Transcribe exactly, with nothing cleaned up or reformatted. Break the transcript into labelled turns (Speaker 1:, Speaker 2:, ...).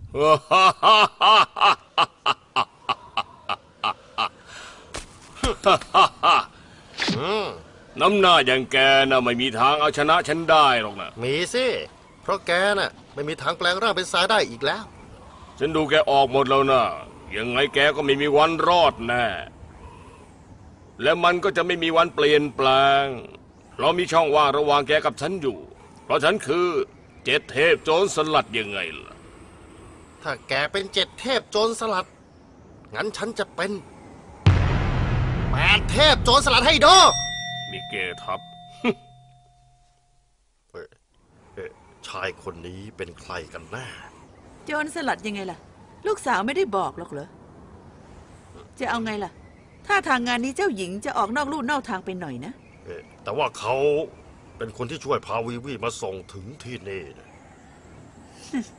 Speaker 1: น้ำหน้าอย่างแกน่ะไม่มีทางเอาชนะฉันได้หรอกนะ
Speaker 2: มีสิเพราะแกน่ะไม่มีทางแปลงร่างเป็นทรายได้อีกแล้ว
Speaker 1: ฉันดูแกออกหมดแล้วนะยังไงแกก็ไม่มีวันรอดแน่และมันก็จะไม่มีวันเปลี่ยนแปลงเพราะมีช่องว่างระหว่างแกกับฉันอยู่เพราะฉันคือเจ็ดเทพโจรสลัดยังไงล่ะ
Speaker 2: ถ้าแกเป็นเจ็ดเทพโจรสลัดงั้นฉันจะเป็นแปดเทพโจรสลัดให้ดู
Speaker 1: มีเกทับ
Speaker 2: ชายคนนี้เป็นใครกันแน่
Speaker 3: โจรสลัดยังไงล่ะลูกสาวไม่ได้บอกหรอกเหรอจะเอาไงล่ะถ้าทางงานนี้เจ้าหญิงจะออกนอกลู่นอกทางไปหน่อยนะ
Speaker 2: แต่ว่าเขาเป็นคนที่ช่วยพาวีวีมาส่งถึงที่นี่นะ